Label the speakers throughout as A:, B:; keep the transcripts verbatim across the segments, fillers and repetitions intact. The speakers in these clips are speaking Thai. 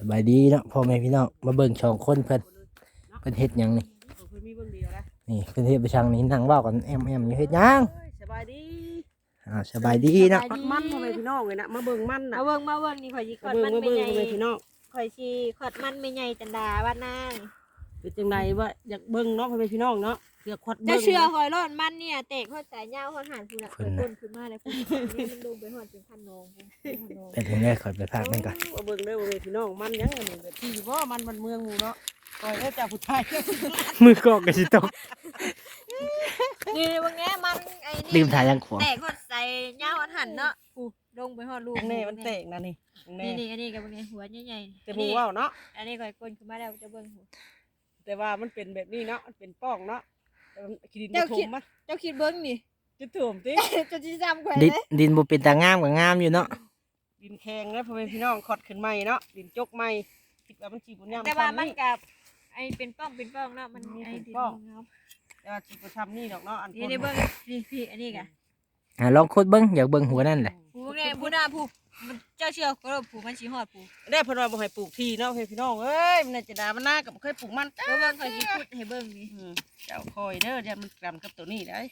A: บายดีเนาะพ่อแม่พี่น้องมาเบิ่งช่องคนเพิ่นเพิ่นเฮ็ดหยังนี่นี่เพิ่นเฮ็ดไปช่างนี่นั่งเว้ากันแอมแอมอยู่เฮ็ดหยัง
B: สบายดี
A: อ่าสบายดีเนาะ
B: ขอดมันพ่อแม่พี่น้องเลยนะมาเบิ่งมันน่ะ
C: มาเบิ่งมาเบิ่งนี่ข่อยสิข
B: มา
C: อด
B: เบิ่ง
C: มัน
B: มา
C: ไม่
B: เบิ่ง
C: ใหญ่
B: พ่อแม่พี่น้อง
C: ข่อยสิขอดมันไม่ใหญ่จันดาบ้านนาง
B: เป็นจังไดว่าอยากเบิ่งเนาะพ่อแม่พี่น้องเนาะเสือขอด
C: จะ
B: เบิ่ง
C: เชื่อข่อยรอดมันเนี่ยเตะข่อยสายยาวข่อยหันพุ่นน่ะข่อยต้นขึ้นมาเลยพุ่นนี่มันลงไปหอดเป็นพันนองพุ่นพันนอง
A: เป็นถึงได้ขอไปพากมันก่อน
B: มาเบิ่งเด้อพ่อแม่พี่น้องมันยังอันนี้แบบที่บ่มันมันเมืองหมู่เนาะปล่อยแล้วจากผู้ชาย
A: มือกอกก็สิตก
C: นี่บางแง่มันไอ้
A: ลื
C: นี่
A: มถ่ายยังขวาง
C: เตะข่อยใส่ยาวข่อยหันเนาะพุ่นลงไปหอดลูก
B: ตรงนี้มันเตะนะนี่ตรงนี้
C: นี่นี่อันนี้กับบางแง่หัวใหญ่ๆ
B: แต่หมู่เว้าเนาะ
C: อันนี้ข่อยก้นขึ้นมาแล้วจะเบิ่งหัว
B: แต่ว่ามันเป็นแบบนี้เนาะมันเป็นป้องเนาะแต่มันขี้ดิน
C: เจ้า
B: ถ
C: คิด
B: มมัน
C: เจ้าคิดเบิ่งนี่
B: จะถ่วมติ
C: เจ้าสิจำข่อย
A: ดิน
C: เลย
A: ดินบ่เป็นตางามก็งามอยู่เนาะ
B: ดินแข็งนะพ่อแม่พี่น้องขอดขึ้นใหม่เนาะดินจกใหม่คิดว่ามันสิบ่ยาม
C: แต่ว่า
B: ซ้ำ
C: มัน
B: นี่
C: กับไอ้เป็นป้องเป็นป้องเนาะมัน
B: มี
C: ไอ้
B: เป็น
C: ดิน
B: ป้อง
C: เงา
B: แต่ว่าสิบ่ซ้ำนี่ดอกเนาะอัน
C: นี่ได้เบิ่งพี่พี่อันนี้กะ
A: อ่าลองขุดเบิ่งอยากเบิ่งหัวนั่นแหละ
C: ผู้ไงผู้หน้าผู้มันเจ้าเชื่อก็ผู้มันสิฮอดผู้
B: ได้เพิ่นว่าบ่ให้ปลูกที่เนาะพี่น้องเอ้ยมันน่าจะด่ามันหน้ากับบ่เคยปลูกมันจ้า
C: แล้วเบิ่งเขาสิพูดให้เบิ่งนี่
B: อืมเจ้าคอยเด้อเดี๋ยวมันกำกับตัวนี้ได้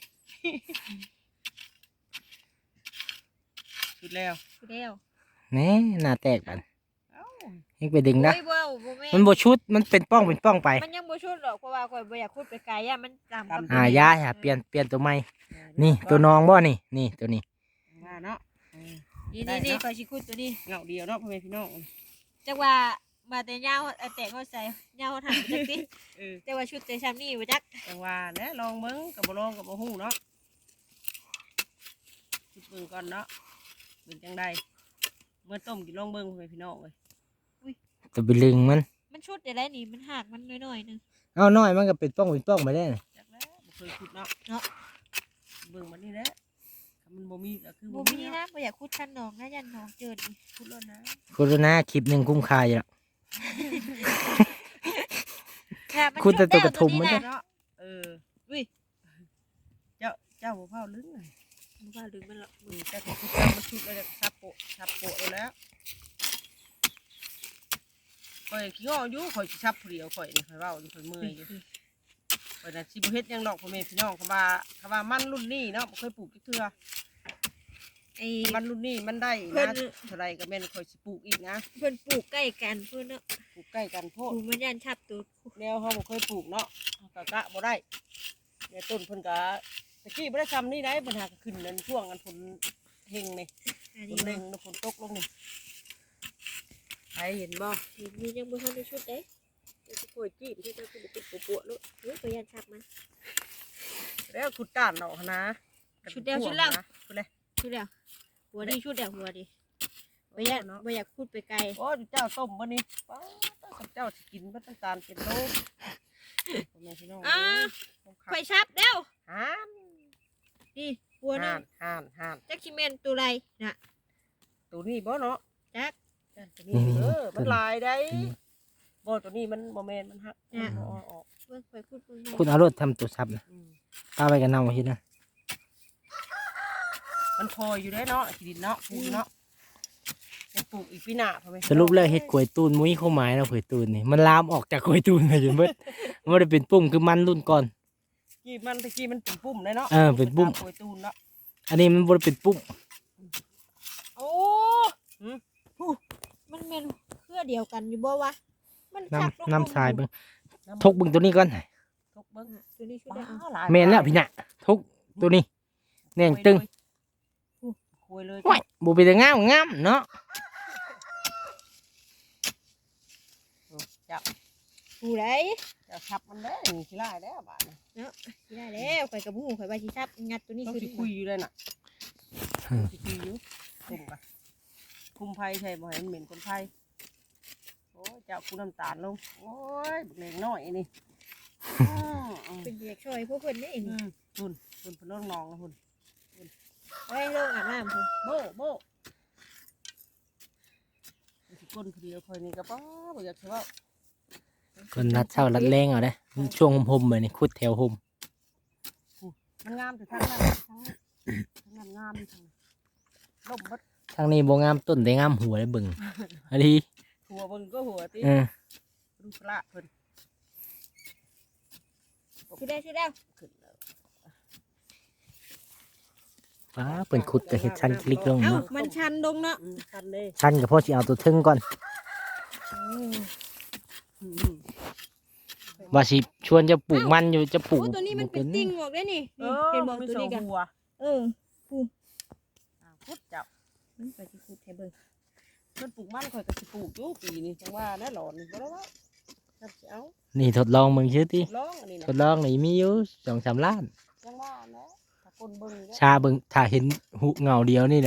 B: สุดแล้ว
C: ผู้เดียว
A: แหน่หน้าแตกกัน
B: เอ้า
A: ยังไปดึงนะ
C: โอ้ยบ่บ่แม่
A: มันบ่ชุดมันเป็นป้องเป็นป้องไป
C: มันยังบ่ชุดหรอกเพราะว่าข่อยบ่อยากพูดไปไกลอ่ะมันตามกับ
A: อ่ายาอย่าเปลี่ยนเปลี่ยนตัวใหม่นี่ตัวน้องบ่นี่นี่ตัวนี้
B: ว่าเนาะเออ
C: นี่นี่นี่ข่อยสิพูดตัวนี้
B: เงาเดียวเนาะพ่อแม่พี่น้อง
C: จักว่ามาแต่ยาวเอาแต่เขาใส่ยาวเขาหันจักติ
B: เออ
C: แต่ว่าชุดแต่ซ้ำนี่บ่จัก
B: จังว่าแหนะลองเบิ่งกับบ่ลองกับบ่ฮู้เนาะคิดเบิ่งก่อนเนาะเป็นจังไดเมื่อต้มกินลองเบิ่งพ่อแม่พี่น้องเอ้ย
A: ตัวไปลึงมัน
C: มันชุดได้แล้วนี่มันหักมันน้อยๆนึง
A: เอาน้อยมันก็เป็นป้องเป็นป้องไปได้น่ะ
B: จักแล้วบ่เคยคิดเนาะ
C: เนาะ
B: เบิ่งมันนี่แหละถ้ามันบ่มีก็คือ
C: บ่
B: บ่
C: มี
B: มี
C: นะ
B: เนาะ
C: บ่อยากพูดคันน้องนะยันน้องเจิดอีก
B: พูดแล้วนะ
A: โฆษณาคลิปหนึงคุ้มค่าอยู่แล้ว
C: ค่ะมัน
A: คุณแต่ตัวกระทุม
C: ชุด
A: มัน
C: แล้ว
A: เนี่ย
C: ตัว
B: เนาะเอออุ้ยเจ้าเจ้าบ่เผาลึงเลย
C: บ่ว่าดึงมันหรอก
B: อืมแต่ของคุณเจ้ามาชุดแล้วจะซับโปะซับโปะเอาแล้วข่อยขี้อ้ออยู่ข่อยสิซับผู้เดียวข่อยนี่ข่อยเว้าอยู่ข่อยเมื่อยอยู่ข่อยน่ะสิบ่เฮ็ดหยังดอกพ่อแม่พี่น้องคำว่าคำว่ามันรุ่นนี้เนาะบ่เคยปลูกจักเทื่อ
C: ไอ้
B: มันรุ่นนี้มันได้
C: เพิ่
B: นะ
C: น
B: เท่าไรก็แม่นข่อยสิปลูกอีกนะ
C: เพิ่นปลูกใกล้กันเพิ่นเนาะ
B: ปลูกใกล้กันโพ
C: ป
B: ด
C: ลูกมันยันชับตัว
B: แนวเฮาบ่เคยปลูกเนาะเฮาก็กะบ่ได้เนี่ยต้นเพิ่นก็ตะกี้บ่ได้ทำนี่ได้ปัญหาก็ขึ้นนั่นช่วงอันฝนเฮงนี่
C: อัน
B: ฝ
C: นี้
B: นเฮ
C: บ่
B: งแล้วฝนตกลงนี่ใครเห็นบ่
C: เห็นมียังบ่ทันได้ชุดเด้
B: เจ้าสิโกยจี้ไปเจ้าสิเป็นปวดๆลูก
C: เฮ้ยก็ยันชับมัน
B: แล้วขุดต้านเนาะนะ
C: ชุดเดียวชุดแล้ว
B: ชุดแล้ว
C: ชุดแล้วหัวดีชุดแล้วหัวดีบ่อยาก
B: เนาะ
C: บ่อยากพูดไปไกล
B: โอ้ยเจ้าต้มบ่นี่ป้าดเจ้าสิกินบ่ต้องการเป็นโลพ่อแม่พี่น้อง
C: อ่า
B: เอ้ย
C: ข่อยชับแล้ว
B: ห่าน
C: นี่หัวนึ
B: ห่าง นห่านห่าน
C: จักสิแม่นตัวไรน่ะ
B: ตัวนี้บ่เนาะ
C: จัก
B: จ้ะตัวนี้เออมันลายได้บ่ตัวนี้มันบ่แม่นมันหักมันบ่ออก
C: เบิ่งข่อยพูดเบิ่งแม่
A: คุณเอารถทำตัวซับนะ
B: อืม
A: ป้าไปกันเน่ามาคิดนะ
B: มันพออยู่ได้เนาะขี้ดินเนาะปลูกเนาะยังปลูกอีกปีหน้าพ่อแม่
A: สรุปแล้วเฮ็ดกล้วยตูนมุ้ยเข้าหมายแล้วกล้วยตูนนี่มันลามออกจากกล้วยตูนไปจนเบิดมันบ่ได้เป็นปุ่มคือมันรุ่นก่อน
B: กี้มันตะกี้มันเป็นปุ่มเลยเนาะ
A: เออเป็นปุ่ม
B: ตาโกยตูนเนาะ
A: อันนี้มันบ่ได้เป็นปุ่ม
C: โอ้
B: หืม
C: มันแม่นเครือเดียวกันอยู่บ่วะมันชักลง
A: น้ำน้ำทรายเบิ่ง
B: น้ำ
A: ทกเบิ่งตัวนี้ก่อน
B: ทกเบิ่ง
C: ตัวนี้ชุด
B: ว้า
C: ได้เอา
B: หาย
A: แม่นแล้วพี่น่ะทกตัวนี้แน่งตึง
B: คุยเลย
A: ว้ายบ่เป็นแต่งามงามเนาะ
B: จับ
C: ผู้ใด
B: จะทับมันได้นี่ขี้ลายแล้วบาดนี้
C: สิได้แล้วข่อยกับผู้ข่อยว่าสิชับงัดตัวนี้
B: ต้อง
C: ขึ้น
B: สิคุยอยู่เลยน่ะสิคุยอยู่คุมกันคุมไผ่ใช่บ่ให้มันเหม็นคนไผ่โอ้ยเจ้ากูน้ำตาลลงโอ้ยบักเล็กน้อยนี่อืมอืม
C: เป็นเด็กช่วยพวกเพิ่นนี่
B: อื
C: นี่
B: มหุ่นหุ่นพนองนองนะหุ่น
C: ไว้ลงอาบน้ำพุ่น
B: โบโบสิก้นคือเดียวคอยนี่ก็ป้าบ่อยากเชื่อว่า
A: คนรัดเช้ารัดแรงเอาเด้อช่วงห่มๆไปนี่ขุดแถวห่ม
B: มันงามแต่ทางนั้นทางนั้นงามทางนั้นล่มบัด
A: ทางนี้บ่งามต้นแต่งามหัวเลยเบิ่งอันนี้
B: ทหัวเบิ่งก็หัวติ
A: เออ
B: ดูพระเพิ่น
C: ชื่อได้ชื่อได้
B: ขึ้นแล้ว
A: ป้าเพิ่นขุดก็เฮ็ดชั้นคลิกลง
C: เอ้า
A: เนาะ
C: มันชันลงเนาะ
B: อืมทันเด้
A: ชั้นก็พอสิเอาตัวถึงก่อน
B: อืม
A: ว่าสิชวนจะปลูกมันอยู่จะปลู
C: โอ้
A: ก
C: ตัวนี้มันเป็นติ่งออกได้นี่
B: เอ
C: นี่
B: อ
C: เห็นบอก
B: มี
C: ตัว
B: สอ
C: นี้
B: ง
C: กัน
B: หัว
C: เออ
B: อ่าพุดจับ
C: มันไปที่คุดให้เบิ่ง
B: เพิ่นปลูกมันข่อยก็สิปลูกอยู่ปีนี้จังว่าแน่หลอนนี่บ่ได้ว่าจับสิเอา
A: นี่ทดลองมึงชื่อติ
B: ลองอันนี้
A: ท
B: นะ
A: ดลองนี่มีอยู่สองสามล้าน
B: จังว่าแนะถ้าคนเบิ่งเด้อ
A: ชาเบิ่งถ้าเห็นหุเงาเดียวนี่แหละ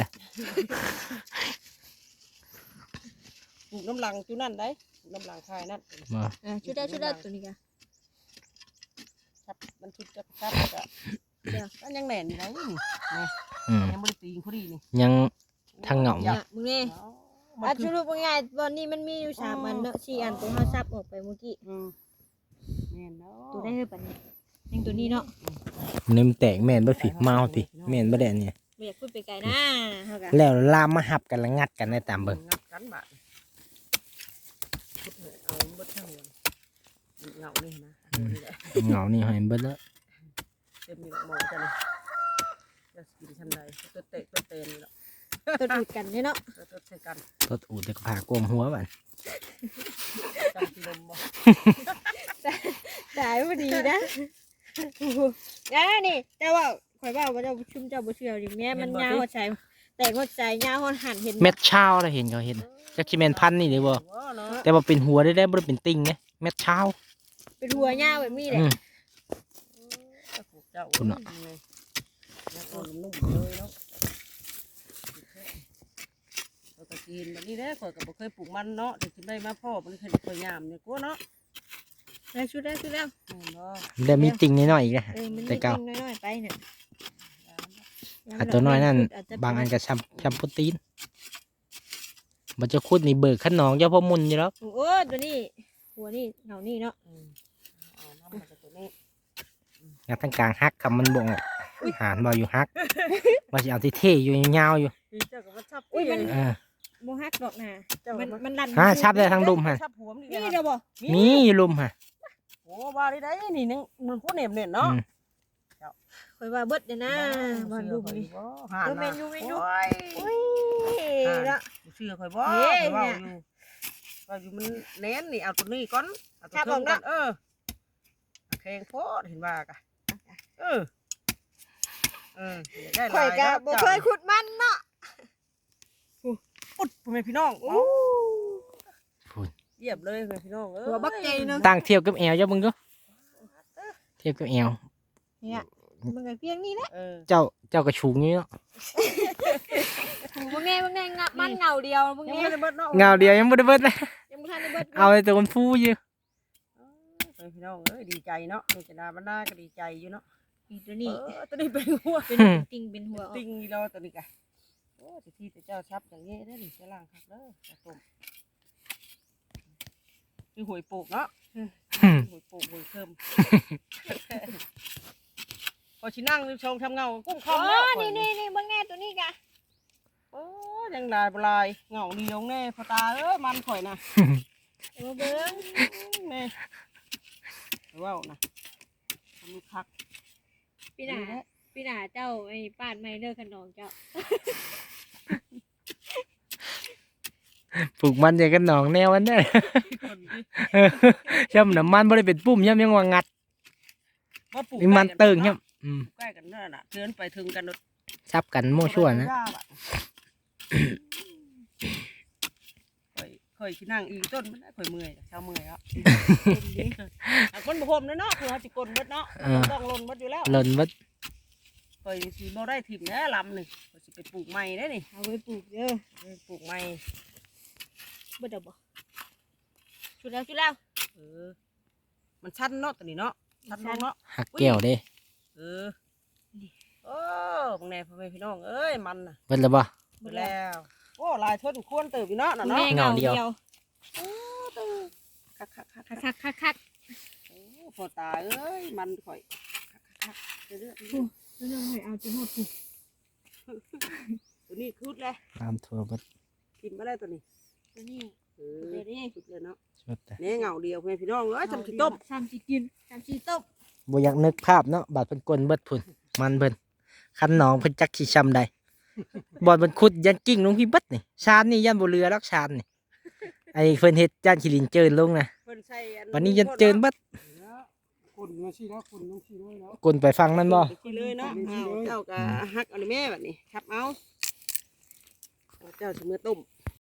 B: ปลูกน้ำลังจุนั่นได้ปลูกน้ำลังคายนั่น
A: มา
C: อ่าชื่อได้ชื่อได้ตัวนี้กัน
B: ครับมันชุดจะครับก็
C: เดี๋ยว
B: มันยังแหน่นอยู่ไหนนี่นี่
A: อืม
B: ยังบ่ได้ตีงพอดีนี่
A: ยัง ทางเหงา
C: เนี่ยมึงนี่
B: เอามั
C: อ่ะ
B: นคื
C: ส
B: อ
C: รุปว่าไงตอนนี้มันมีอยู่สามอันเนาะสี่อันตัวเฮาซับออกไปเมื่อกี้
B: อืมแม่นเนาะ
C: ตัวได้เท่าปันนี้ยังตัวนี้เนาะ
A: มันนี่มันแตกแม่นบ่ผิดเมาติแม่นบ่ได้อันเนี่ย
C: ไม่อยากพูดไปไกลนะเฮากัน
A: แล้วลามมาหับกันแล้วงัดกันในตามเบิ่ง
B: งับกันบาดพุดเลยเอาเบิดทั้งวันเหงานี่นะนี่แหละ
A: เหงานี่ให้เบิดแล้ว
B: เต็มนี่แหละหมองจันจะกินชั้นใดตัวเตะตัวเตนนี่แหละ
C: ตัวดูดกันเนี่ยเนาะ
B: ตัวตัวใส่กัน
A: ตดอูดแต่ก็พากลมหัวบัด
B: จังที่ลมบ่
C: ได้พอดีนะอ่านี่เจ้าว่าข่อยว่าว่าเจ้าชุ่มเจ้าบ่เชื่อดิแม่มันยาวหัวใจแต่หัวใจยาวหัวหันเห็น
A: เม็ดเช้าแล้วเห็นเขาเห็นจักสิแม่นพันธุ์นี่เด้บ่
B: ว้าเนาะ
A: แต่ว่าเป็นหัวได้ได้บ่ได้เป็นติ่งไงเม็ดเช้า
C: เป็นหัวยาวแบบนี้แหละ
A: อืม
B: ถ้าปลูกเจ้าอุ่นเลยแล้วก็นุ่มเลยเนาะเราก็กินแบบนี้แหละข่อยก็บ่เคยปลูกมันเนาะเดี๋ยวสิได้มาพ่อมันเคยข่อยยามเนี่ยกลัวเนาะ
C: ได้ชุดได้ชุดแล้ว
B: แม่นบ่
A: ได้มีติ่งน้อยๆอีกนะ
C: เออมัน
A: แต่
C: นิด
A: เก่า
C: น้อยๆไปเนี่ย
A: อันตัวน้อยนั่นบางอันก็ช้ำช้ำโปรตีนมันจะคุดนี่เบิกขนองเจ้าพ่อมุนอยู่แล้ว
C: โอ้ตัวนี้หัวนี่เหงานี่เนาะ
B: อืมเอาน้ำมันจะตัวนี้
A: งานทางกลางฮักคำมันบ่งหารบ่อยู่ฮักว่าสิเอาที่เท่อยู่ยาวๆอยู่
B: พี่เจ้าก็มาชับ
C: อุ้ยมัน
A: เออ
C: โมฮักดอกน่ะ
B: เจ้า
C: มั
B: มัน
C: มันลั่น
A: ฮะชับได้ทางดุมฮะ
B: ชับหัวมัน
C: นี่
B: นี่
C: เดี๋ยวบอก
A: มีอยู่ลุมฮะ
B: โอ้บ้าได้ได้นี่นึงมันพูดเน็บเน็ตเนาะ
A: อืม
C: คอยว่าเบิดเดี๋ยวนะบอลดูนี่
B: หา
C: เออเมนยูเมนยู
B: โอ้ย
C: อุ้ยละ
B: เชื่อข่อยบ่
C: เฮ้ย
B: ข่อยว่า
C: เนี่
B: อย ยู่ว่าอยู่มันเน้นนี่เอาตัวนี้ก่อนเอาตัว
C: ครับ
B: เทิง
C: ผม
B: ก่อ
C: เนาะ
B: นเออแข่งโพดเห็นว่ากะเออเออได้ห
C: ข่
B: ลา
C: อย
B: ย
C: กะ
B: แล้ว
C: บ่เคยขุดมันเนาะ
B: อุดพ่อแม่พี่น้อง
C: อู้
B: เอาเยียบเลยพ่อแม่พี่น้องเอ้ย
C: หัวบักใจเนาะ
A: ตั้งเทียบกับแอวเจ้ามึงก็เทียบกับแอว
C: เนี่ยมันก็เพียงนี้แหละ
B: เออ
A: เจ้าเจ้ากระชูงอยู่เนาะ
C: พวกแง่พวกแง่งะมันเงาเดียวพวก
B: ยัง
C: แง่
B: ไม่ได้เบิดเนาะ
A: เงาเดียวยังบ่ได้เบิดเลย
C: ยังบ่ทันได้เบิด
A: เอาแต่คนฟูอยู่
B: พ่อแม่พี่น้องเอ้ยดีใจเนาะนี่จะดาบรรดาก็ดีใจอยู่เนาะ
C: นี่ตัว
B: เอ
C: นี้
B: อตัวนี้เป็นหัว
C: เป็นติ่งเป็นหัว
B: ติงนี่เราตัวนี้กะโอ้สิที่แต่เจ้าชับอย่างนี้ได้ดิจะล่างครับเด้อจะต้มคือหวยปลูกเนาะ
A: อืม
B: หวยปลูกหวยเพิ่มพอชินั่งชมทำเงากุ้งค
C: อ๋
B: อ
C: อ
B: มเนาะ
C: นี่นี่นี่เบิ่งแง่ตัวนี้กะ
B: โอ้ยังลายบลายเงาเดียวแน่พอตาเอ้ยมันข่อยนะ
C: เออเบิ่ง
B: แม่ว้าวนะทำลูกคัก
C: พี่หนาพี่หนาเจ้าไอ้ป้านไม่เลิกขนองเจ้า
A: ปลูกมันอย่างกันหนองแนวอันเนี้ย
B: คนที่
A: ย่ำน้ำมันบ่ได้เป็นปุ่มย่ำยังว่างัด
B: ว่าปลูก
A: มีมันเติงย่ำอืม
B: ใกล้กันนั่นน่ะเทือนไปถึงกัน
A: ซับกันโม่ชั่วนะ
B: ข่อยข่อยที่นั่งอีกต้นมันได้ข่อยเมื่อยเช้าเมื่อยแล้วอ่ะคนบ่พรมเนาะคือเขาสิกลนเบิดเนาะต้องลนเบิดอยู่แล้ว
A: หล่นวัด
B: ข่อยสิบ่ได้ถิ่มแน่ลำนี่ข่อยสิไปปลูกใหม่ได้นี่
C: เอาไว้ปลูกเด้อ
B: ไปปลูกใหม่
C: เบิดเอาบ่ชุดแล้วชุดแล้ว
B: เออ มันชันเนาะตัวนี้เนาะชันลงเนาะ
A: หักแก้วเด้
B: เออโอ้บางแน่พ่อแม่พี่น้องเอ้ยมันน่ะ
A: เบิดแล้วบ่
B: ไปแล้วโอ้ลายทนควรเติบอยู่เนาะน่ะ
C: แม่
B: เนาะ
C: เงาเดียว
B: โอ้เติบคักคักคัก
C: คักคักคัก
B: โอ้พอตาเอ้ยมันข่อยคักคักเรื่อย
C: เรื่องให้เอาจิโหดสิ
B: ๆตัวนี้คืดเลย
A: ตามทัวเบิด
B: กินมาได้ตัวนี้
C: ตัวนี้
B: เออ
C: เดี๋ยวนี้
B: สุดเลยเนาะ
A: สุดแต่
B: เนี่ยเหงาเดียวเพื่อนพี่น้องเอ้ยทำสิต้ม
C: ทำสิกินทำสิต้ม
A: บ่อยากนึกภาพเนาะบาดเพิ่นกลนเบิดพุ่นมันเพิ่นคันหนองเพิ่นจักสิช้ำใดบ่อนเพิ่นขุดยันกิ้งลงพี่เบิดนี่ชานนี่ยันบ่เรือรักชานนี่ไอ้เพิ่นเฮ็ดย่านขี้ลินเจินลงนะ
B: เพิ่นใส่อัน
A: วันนี้ยันเจินเบิด
D: คนมาสิแล้วคนต้องสิด้วยแล้ว
A: กลนไปฟังนั่นบ่
B: ไปเลยเนาะเอาเจ้าก็ฮักเอาในแม่แบบนี้ครับเอาเอาเจ้าสิมือต้ม